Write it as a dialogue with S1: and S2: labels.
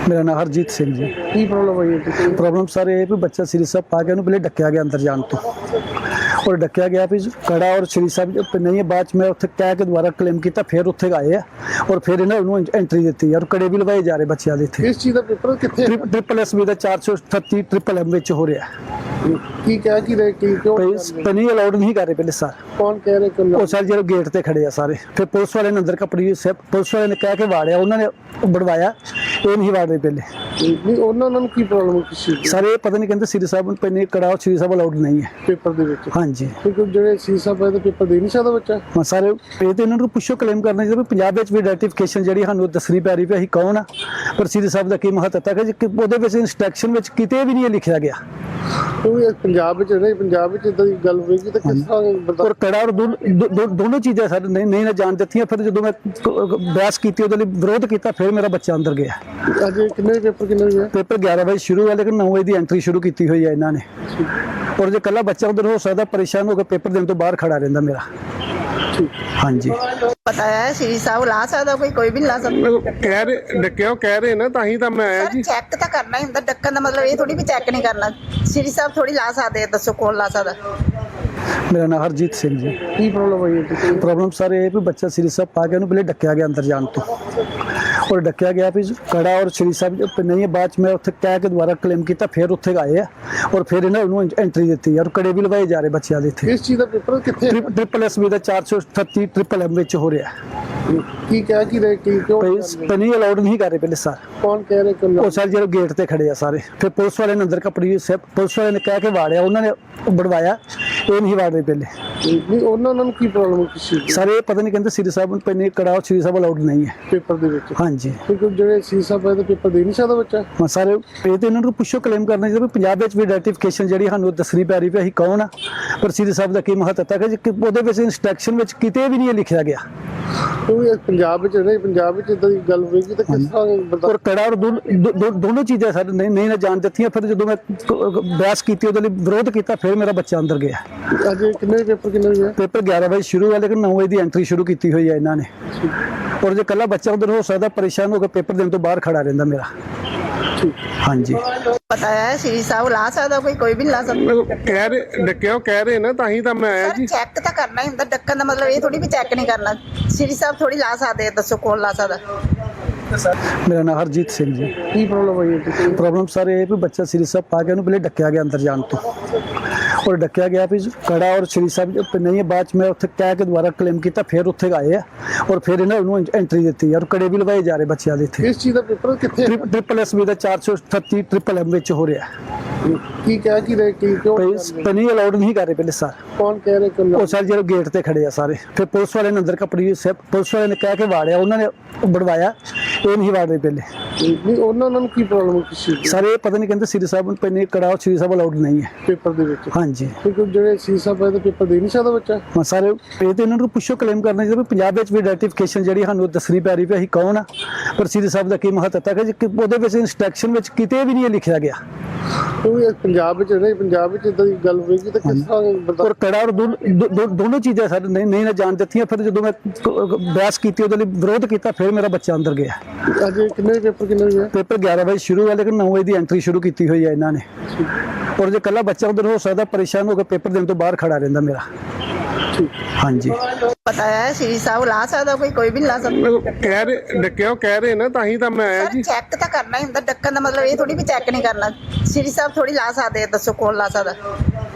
S1: ਮੇਰਾ ਨਾਮ ਹਰਜੀਤ ਸਿੰਘ ਜੀ।
S2: ਕੀ ਪ੍ਰੋਬਲਮ ਹੋਈ ਹੈ ਤੁਸੀਂ?
S1: ਪ੍ਰੋਬਲਮ ਸਰ ਇਹ ਵੀ ਬੱਚਾ ਸ੍ਰੀ ਸਾਹਿਬ ਪਾ ਕੇ ਉਹਨੂੰ ਪਹਿਲੇ ਡੱਕਿਆ ਗਿਆ ਅੰਦਰ ਜਾਣ ਤੋਂ, ਔਰ ਡੱਕਿਆ ਗਿਆ ਵੀ ਕੜਾ ਔਰ ਸ੍ਰੀ ਸਾਹਿਬ ਨਹੀਂ ਹੈ। ਬਾਅਦ ਚ ਮੈਂ ਉੱਥੇ ਕਹਿ ਕੇ ਦੁਬਾਰਾ ਕਲੇਮ ਕੀਤਾ, ਫਿਰ ਉੱਥੇ ਆਏ ਆ ਔਰ ਫਿਰ ਇਹਨਾਂ ਨੂੰ ਐਂਟਰੀ ਦਿੱਤੀ ਔਰ ਕੜੇ ਵੀ ਲਵਾਏ ਜਾ ਰਹੇ ਬੱਚਿਆਂ ਦੇ ਇੱਥੇ।
S2: ਇਸ ਚੀਜ਼ ਦਾ ਪੇਪਰ ਕਿੱਥੇ
S1: ਟ੍ਰਿਪਲ ਐਸ ਵੀ ਦਾ 438 ਟ੍ਰਿਪਲ ਐਮ ਵਿੱਚ ਹੋ ਰਿਹਾ।
S2: ਕੀ ਕਹਿ ਕੀ ਰਹੇ ਕੀ ਕਿਉਂ
S1: ਪਨੀ ਅਲਾਉਡ ਨਹੀਂ ਕਰ ਰਹੇ ਪਹਿਲੇ ਸਰ।
S2: ਕੌਣ ਕਹਿ ਰਹੇ ਕਿ
S1: ਉਹ ਸਾਰੇ ਜਿਹੜੇ ਗੇਟ ਤੇ ਖੜੇ ਆ ਸਾਰੇ, ਫਿਰ ਪੁਲਿਸ ਵਾਲੇ ਨੇ ਅੰਦਰ ਕਪੜੀ ਪੁਲਿਸ ਵਾਲੇ ਨੇ ਕਹਿ ਕੇ ਵਾੜਿਆ, ਉਹਨਾਂ ਨੇ ਬੜਵਾਇਆ, ਇਹ ਨਹੀਂ ਵਾੜ ਰਹੇ ਪਹਿਲੇ।
S2: ਨਹੀਂ ਉਹਨਾਂ ਨੂੰ ਕੀ ਪ੍ਰੋਬਲਮ ਕਿਸ ਚੀਜ਼ ਦੀ?
S1: ਸਰ ਇਹ ਪਤਾ ਨਹੀਂ, ਕਹਿੰਦੇ ਸ੍ਰੀ ਸਾਹਿਬ ਨੂੰ ਪਨੀ ਕੜਾ ਔਰ ਸ੍ਰੀ ਸਾਹਿਬ ਅਲਾਉਡ ਨਹੀਂ ਹੈ
S2: ਪੇਪਰ ਦੇ ਵਿੱਚ।
S1: ਹਾਂਜੀ,
S2: ਕਿਉਂਕਿ ਜਿਹੜੇ ਸੀ ਸਾਹਿਬ ਹੈ ਤਾਂ ਪੇਪਰ ਦੇ ਨਹੀਂ ਸਕਦਾ ਬੱਚਾ।
S1: ਹਾਂ ਸਰ ਇਹ ਤੇ ਇਹਨਾਂ ਨੂੰ ਪੁੱਛੋ, ਕਲੇਮ ਕਰਨਾ ਚਾਹੀਦਾ ਵੀ ਪੰਜਾਬ ਵਿੱਚ ਵੀ ਆਈਡੈਂਟੀਫਿਕੇਸ਼ਨ ਜਿਹੜੀ ਸਾਨੂੰ ਦੱਸਣੀ ਪੈ ਰਹੀ ਵੀ ਅਸੀਂ ਕੌਣ ਆ, ਪਰ ਸ੍ਰੀ ਸਾਹਿਬ ਦਾ ਕੀ ਮਹੱਤਤਾ ਹੈ ਕਿ ਉਹਦੇ ਵਿੱਚ ਇੰਸਟਰਕਸ਼ਨ ਵਿੱਚ ਕਿਤੇ ਵੀ ਨਹੀਂ ਲਿਖਿਆ ਗਿਆ।
S2: ਕਿਉਂਕਿ ਪੰਜਾਬ ਵਿੱਚ ਨਹੀਂ, ਪੰਜਾਬ ਵਿੱਚ ਇਦਾਂ ਦੀ ਗੱਲ ਹੋਏਗੀ ਤਾਂ ਕਿਸ ਤਰ੍ਹਾਂ
S1: ਔਰ ਕੜਾ ਔਰ ਦੋਨੋਂ ਚੀਜ਼ਾਂ ਸਾਡੇ ਨਹੀਂ ਨਾ ਜਾਣ ਦਿੱਤੀਆਂ। ਫਿਰ ਜਦੋਂ ਮੈਂ ਬਹਿਸ ਕੀਤੀ, ਉਹਦੇ ਲਈ ਵਿਰੋਧ ਕੀਤਾ, ਫਿਰ ਮੇਰਾ ਬੱਚਾ ਅੰਦਰ ਗਿਆ।
S2: ਅੱਜ ਕਿੰਨੇ ਪੇਪਰ ਕਿੰਨੇ ਹੋਏ?
S1: ਪੇਪਰ 11 ਵਜੇ ਸ਼ੁਰੂ ਹੋਇਆ, ਲੇਕਿਨ 9 ਵਜੇ ਦੀ ਐਂਟਰੀ ਸ਼ੁਰੂ ਕੀਤੀ ਹੋਈ ਹੈ ਇਹਨਾਂ ਨੇ। ਔਰ ਜੇ ਕੱਲਾ ਬੱਚਾ ਉਧਰ ਹੋ ਸਕਦਾ, ਪਰੇਸ਼ਾਨ ਹੋ ਕੇ ਪੇਪਰ ਦੇਣ ਤੋਂ ਬਾਹਰ ਖੜਾ ਰਹਿੰਦਾ ਮੇਰਾ। ਹਾਂਜੀ
S3: ਪਤਾ ਹੈ ਸ੍ਰੀ ਸਾਹਿਬ ਲਾ ਸਕਦਾ, ਕੋਈ ਵੀ ਨਹੀਂ ਲਾ ਸਕਦਾ।
S2: ਕਹਿ ਰਹੇ ਡੱਕਿਓ, ਕਹਿ ਰਹੇ ਨਾ, ਤਾਂ ਹੀ ਤਾਂ ਮੈਂ ਆਇਆ ਜੀ।
S3: ਚੈੱਕ ਤਾਂ ਕਰਨਾ ਹੀ ਹੁੰਦਾ, ਡੱਕਣ ਦਾ ਮਤਲਬ ਇਹ ਥੋੜੀ ਵੀ ਚੈੱਕ ਨਹੀਂ ਕਰਨਾ। ਸ੍ਰੀ ਸਾਹਿਬ ਥੋੜੀ ਲਾ ਸਕਦੇ, ਦੱਸੋ ਕੌਣ ਲਾ ਸਕਦਾ?
S1: ਮੇਰਾ ਨਾਮ ਹਰਜੀਤ ਸਿੰਘ ਜੀ।
S2: ਕੀ ਪ੍ਰੋਬਲਮ ਹੋਈ ਹੈ ਤੁਸੀਂ?
S1: ਪ੍ਰੋਬਲਮ ਸਰ ਇਹ ਵੀ ਬੱਚਾ ਸ੍ਰੀ ਸਾਹਿਬ ਪਾ ਕੇ ਉਹਨੂੰ ਪਹਿਲੇ ਡੱਕਿਆ ਗਿਆ ਅੰਦਰ ਜਾਣ ਤੋਂ, ਔਰ ਡੱਕਿਆ ਗਿਆ ਵੀ ਕੜਾ ਔਰ ਸ੍ਰੀ ਸਾਹਿਬ ਨਹੀਂ ਹੈ। ਬਾਅਦ ਚ ਮੈਂ ਉੱਥੇ ਕਹਿ ਕੇ ਦੁਬਾਰਾ ਕਲੇਮ ਕੀਤਾ, ਫਿਰ ਉੱਥੇ ਆਏ ਆ ਔਰ ਫਿਰ ਇਹਨਾਂ ਨੂੰ ਐਂਟਰੀ ਦਿੱਤੀ ਔਰ ਕੜੇ ਵੀ ਲਵਾਏ ਜਾ ਰਹੇ ਬੱਚਿਆਂ ਦੇ ਇੱਥੇ।
S2: ਇਸ ਚੀਜ਼ ਦਾ ਪੇਪਰ ਕਿੱਥੇ?
S1: ਟ੍ਰਿਪਲ ਐਸ ਵੀ ਦਾ 438 ਟ੍ਰਿਪਲ ਐਮ ਵਿੱਚ ਹੋ ਰਿਹਾ।
S2: ਕੀ ਕਹਿ ਕੀ ਰਹੇ ਕੀ ਕਿਉਂ
S1: ਪਨੀ ਅਲਾਉਡ ਨਹੀਂ ਕਰ ਰਹੇ ਪਹਿਲੇ ਸਰ।
S2: ਕੌਣ ਕਹਿ ਰਹੇ ਕਿ
S1: ਉਹ ਸਾਰੇ ਜਿਹੜੇ ਗੇਟ ਤੇ ਖੜੇ ਆ ਸਾਰੇ, ਫਿਰ ਪੁਲਿਸ ਵਾਲੇ ਨੇ ਅੰਦਰ ਕਪੜੀ ਪੁਲਿਸ ਵਾਲੇ ਨੇ ਕਹਿ ਕੇ ਵਾੜਿਆ, ਉਹਨਾਂ ਨੇ ਬੜਵਾਇਆ, ਇਹ ਨਹੀਂ ਵਾੜ ਰਹੇ ਪਹਿਲੇ।
S2: ਨਹੀਂ ਉਹਨਾਂ ਨੂੰ ਕੀ ਪ੍ਰੋਬਲਮ ਕਿਸ ਚੀਜ਼ ਦੀ?
S1: ਸਰ ਇਹ ਪਤਾ ਨਹੀਂ, ਕਹਿੰਦੇ ਸ੍ਰੀ ਸਾਹਿਬ ਨੂੰ ਪਨੀ ਕੜਾ ਔਰ ਸ੍ਰੀ ਸਾਹਿਬ ਅਲਾਉਡ ਨਹੀਂ ਹੈ
S2: ਪੇਪਰ ਦੇ ਵਿੱਚ।
S1: ਹਾਂਜੀ,
S2: ਕਿਉਂਕਿ ਜਿਹੜੇ ਸੀ ਸਾਹਿਬ ਹੈ ਤਾਂ ਪੇਪਰ ਦੇ ਨਹੀਂ ਸਕਦਾ ਬੱਚਾ।
S1: ਹਾਂ ਸਰ ਇਹ ਤੇ ਇਹਨਾਂ ਨੂੰ ਪੁੱਛੋ, ਕਲੇਮ ਕਰਨਾ ਚਾਹੀਦਾ ਵੀ ਪੰਜਾਬ ਵਿੱਚ ਵੀ ਆਈਡੈਂਟੀਫਿਕੇਸ਼ਨ ਜਿਹੜੀ ਸਾਨੂੰ ਦੱਸਣੀ ਪੈ ਰਹੀ ਵੀ ਅਸੀਂ ਕੌਣ ਆ, ਪਰ ਸ੍ਰੀ ਸਾਹਿਬ ਦਾ ਕੀ ਮਹੱਤਤਾ ਹੈ ਕਿ ਉਹਦੇ ਵਿੱਚ ਇੰਸਟਰਕਸ਼ਨ ਵਿੱਚ ਕਿਤੇ ਵੀ ਨਹੀਂ ਲਿਖਿਆ ਗਿਆ।
S2: ਕਿਉਂਕਿ ਪੰਜਾਬ ਵਿੱਚ ਨਹੀਂ, ਪੰਜਾਬ ਵਿੱਚ ਇਦਾਂ ਦੀ ਗੱਲ ਹੋਏਗੀ ਤਾਂ ਕਿਸ ਤਰ੍ਹਾਂ
S1: ਔਰ ਕੜਾ ਔਰ ਦੋਨੋਂ ਚੀਜ਼ਾਂ ਸਾਡੇ ਨਹੀਂ ਨਾ ਜਾਣ ਦਿੱਤੀਆਂ। ਫਿਰ ਜਦੋਂ ਮੈਂ ਬਹਿਸ ਕੀਤੀ, ਉਹਦੇ ਲਈ ਵਿਰੋਧ ਕੀਤਾ, ਫਿਰ ਮੇਰਾ ਬੱਚਾ ਅੰਦਰ ਗਿਆ।
S2: ਅੱਜ ਕਿੰਨੇ ਪੇਪਰ ਕਿੰਨੇ ਹੋਏ?
S1: ਪੇਪਰ 11 ਵਜੇ ਸ਼ੁਰੂ ਹੋਇਆ, ਲੇਕਿਨ 9 ਵਜੇ ਦੀ ਐਂਟਰੀ ਸ਼ੁਰੂ ਕੀਤੀ ਹੋਈ ਹੈ ਇਹਨਾਂ ਨੇ। ਔਰ ਜੇ ਕੱਲਾ ਬੱਚਾ ਉਧਰ ਹੋ ਸਕਦਾ, ਪਰੇਸ਼ਾਨ ਹੋ ਕੇ ਪੇਪਰ ਦੇਣ ਤੋਂ ਬਾਹਰ ਖੜਾ ਰਹਿੰਦਾ ਮੇਰਾ। ਹਾਂਜੀ
S3: ਪਤਾ ਹੈ ਸ੍ਰੀ ਸਾਹਿਬ ਲਾ ਸਕਦਾ, ਕੋਈ ਵੀ ਨਹੀਂ ਲਾ ਸਕਦਾ।
S2: ਕਹਿ ਰਹੇ ਡੱਕਿਓ, ਕਹਿ ਰਹੇ ਨਾ, ਤਾਂ ਹੀ ਤਾਂ ਮੈਂ ਆਇਆ ਜੀ।
S3: ਚੈੱਕ ਤਾਂ ਕਰਨਾ ਹੀ ਹੁੰਦਾ, ਡੱਕਣ ਦਾ ਮਤਲਬ ਇਹ ਥੋੜੀ ਵੀ ਚੈੱਕ ਨਹੀਂ ਕਰਨਾ। ਸ੍ਰੀ ਸਾਹਿਬ ਥੋੜੀ ਲਾ ਸਕਦੇ, ਦੱਸੋ ਕੌਣ ਲਾ ਸਕਦਾ?
S1: ਮੇਰਾ ਨਾਮ ਹਰਜੀਤ ਸਿੰਘ ਜੀ।
S2: ਕੀ ਪ੍ਰੋਬਲਮ ਹੋਈ ਹੈ ਤੁਸੀਂ?
S1: ਪ੍ਰੋਬਲਮ ਸਰ ਇਹ ਵੀ ਬੱਚਾ ਸ੍ਰੀ ਸਾਹਿਬ ਪਾ ਕੇ ਉਹਨੂੰ ਪਹਿਲੇ ਡੱਕਿਆ ਗਿਆ ਅੰਦਰ ਜਾਣ ਤੋਂ, ਔਰ ਡੱਕਿਆ ਗਿਆ ਵੀ ਕੜਾ ਔਰ ਸ੍ਰੀ ਸਾਹਿਬ ਨਹੀਂ ਹੈ। ਬਾਅਦ ਚ ਮੈਂ ਉੱਥੇ ਕਹਿ ਕੇ ਦੁਬਾਰਾ ਕਲੇਮ ਕੀਤਾ, ਫਿਰ ਉੱਥੇ ਆਏ ਆ ਔਰ ਫਿਰ ਇਹਨਾਂ ਨੂੰ ਐਂਟਰੀ ਦਿੱਤੀ ਔਰ ਕੜੇ ਵੀ ਲਵਾਏ ਜਾ ਰਹੇ ਬੱਚਿਆਂ ਦੇ ਇੱਥੇ।
S2: ਇਸ ਚੀਜ਼ ਦਾ ਪੇਪਰ ਕਿੱਥੇ?
S1: ਟ੍ਰਿਪਲ ਐਸ ਵੀ ਦਾ 438 ਟ੍ਰਿਪਲ ਐਮ ਵਿੱਚ ਹੋ ਰਿਹਾ।
S2: ਕੀ ਕਹਿ ਕੀ ਰਹੇ ਕੀ ਕਿਉਂ
S1: ਪਨੀ ਅਲਾਉਡ ਨਹੀਂ ਕਰ ਰਹੇ ਪਹਿਲੇ ਸਰ।
S2: ਕੌਣ ਕਹਿ ਰਹੇ ਕਿ
S1: ਉਹ ਸਾਰੇ ਜਿਹੜੇ ਗੇਟ ਤੇ ਖੜੇ ਆ ਸਾਰੇ, ਫਿਰ ਪੁਲਿਸ ਵਾਲੇ ਨੇ ਅੰਦਰ ਕਪੜੀ ਪੁਲਿਸ ਵਾਲੇ ਨੇ ਕਹਿ ਕੇ ਵਾੜਿਆ, ਉਹਨਾਂ ਨੇ ਬੜਵਾਇਆ, ਇਹ ਨਹੀਂ ਵਾੜ ਰਹੇ ਪਹਿਲੇ।
S2: ਨਹੀਂ ਉਹਨਾਂ ਨੂੰ ਕੀ ਪ੍ਰੋਬਲਮ ਕਿਸ ਚੀਜ਼ ਦੀ?
S1: ਸਰ ਇਹ ਪਤਾ ਨਹੀਂ, ਕਹਿੰਦੇ ਸ੍ਰੀ ਸਾਹਿਬ ਨੂੰ ਪਨੀ ਕੜਾ ਔਰ ਸ੍ਰੀ ਸਾਹਿਬ ਅਲਾਉਡ ਨਹੀਂ ਹੈ
S2: ਪੇਪਰ ਦੇ ਵਿੱਚ।
S1: ਹਾਂਜੀ,
S2: ਕਿਉਂਕਿ ਜਿਹੜੇ ਸੀ ਸਾਹਿਬ ਹੈ ਤਾਂ ਪੇਪਰ ਦੇ ਨਹੀਂ ਸਕਦਾ ਬੱਚਾ।
S1: ਹਾਂ ਸਰ ਇਹ ਤੇ ਇਹਨਾਂ ਨੂੰ ਪੁੱਛੋ, ਕਲੇਮ ਕਰਨਾ ਚਾਹੀਦਾ ਵੀ ਪੰਜਾਬ ਵਿੱਚ ਵੀ ਆਈਡੈਂਟੀਫਿਕੇਸ਼ਨ ਜਿਹੜੀ ਸਾਨੂੰ ਦੱਸਣੀ ਪੈ ਰਹੀ ਵੀ ਅਸੀਂ ਕੌਣ ਆ, ਪਰ ਸ੍ਰੀ ਸਾਹਿਬ ਦਾ ਕੀ ਮਹੱਤਤਾ ਹੈ ਕਿ ਉਹਦੇ ਵਿੱਚ ਇੰਸਟਰਕਸ਼ਨ ਵਿੱਚ ਕਿਤੇ ਵੀ ਨਹੀਂ ਲਿਖਿਆ ਗਿਆ।
S2: ਕਿਉਂਕਿ ਪੰਜਾਬ ਵਿੱਚ ਨਹੀਂ, ਪੰਜਾਬ ਵਿੱਚ ਇਦਾਂ ਦੀ ਗੱਲ ਹੋਏਗੀ ਤਾਂ ਕਿਸ ਤਰ੍ਹਾਂ
S1: ਔਰ ਕੜਾ ਔਰ ਦੋਨੋਂ ਚੀਜ਼ਾਂ ਸਾਡੇ ਨਹੀਂ ਨਾ ਜਾਣ ਦਿੱਤੀਆਂ। ਫਿਰ ਜਦੋਂ ਮੈਂ ਬਹਿਸ ਕੀਤੀ, ਉਹਦੇ ਲਈ ਵਿਰੋਧ ਕੀਤਾ, ਫਿਰ ਮੇਰਾ ਬੱਚਾ ਅੰਦਰ ਗਿਆ।
S2: ਅੱਜ ਕਿੰਨੇ ਪੇਪਰ ਕਿੰਨੇ ਹੋਏ?
S1: ਪੇਪਰ 11 ਵਜੇ ਸ਼ੁਰੂ ਹੋਇਆ, ਲੇਕਿਨ 9 ਵਜੇ ਦੀ ਐਂਟਰੀ ਸ਼ੁਰੂ ਕੀਤੀ ਹੋਈ ਹੈ ਇਹਨਾਂ ਨੇ। ਔਰ ਜੇ ਕੱਲਾ ਬੱਚਾ ਉਧਰ ਹੋ ਸਕਦਾ, ਪਰੇਸ਼ਾਨ ਹੋ ਕੇ ਪੇਪਰ ਦੇਣ ਤੋਂ ਬਾਹਰ ਖੜਾ ਰਹਿੰਦਾ ਮੇਰਾ। ਹਾਂਜੀ
S3: ਪਤਾ ਹੈ ਸ੍ਰੀ ਸਾਹਿਬ ਲਾ ਸਕਦਾ, ਕੋਈ ਵੀ ਨਹੀਂ ਲਾ ਸਕਦਾ।
S2: ਕਹਿ ਰਹੇ ਡੱਕਿਓ, ਕਹਿ ਰਹੇ ਨਾ, ਤਾਂ ਹੀ ਤਾਂ ਮੈਂ ਆਇਆ ਜੀ।
S3: ਚੈੱਕ ਤਾਂ ਕਰਨਾ ਹੀ ਹੁੰਦਾ, ਡੱਕਣ ਦਾ ਮਤਲਬ ਇਹ ਥੋੜੀ ਵੀ ਚੈੱਕ ਨਹੀਂ ਕਰਨਾ। ਸ੍ਰੀ ਸਾਹਿਬ ਥੋੜੀ ਲਾ ਸਕਦੇ, ਦੱਸੋ ਕੌਣ ਲਾ ਸਕਦਾ?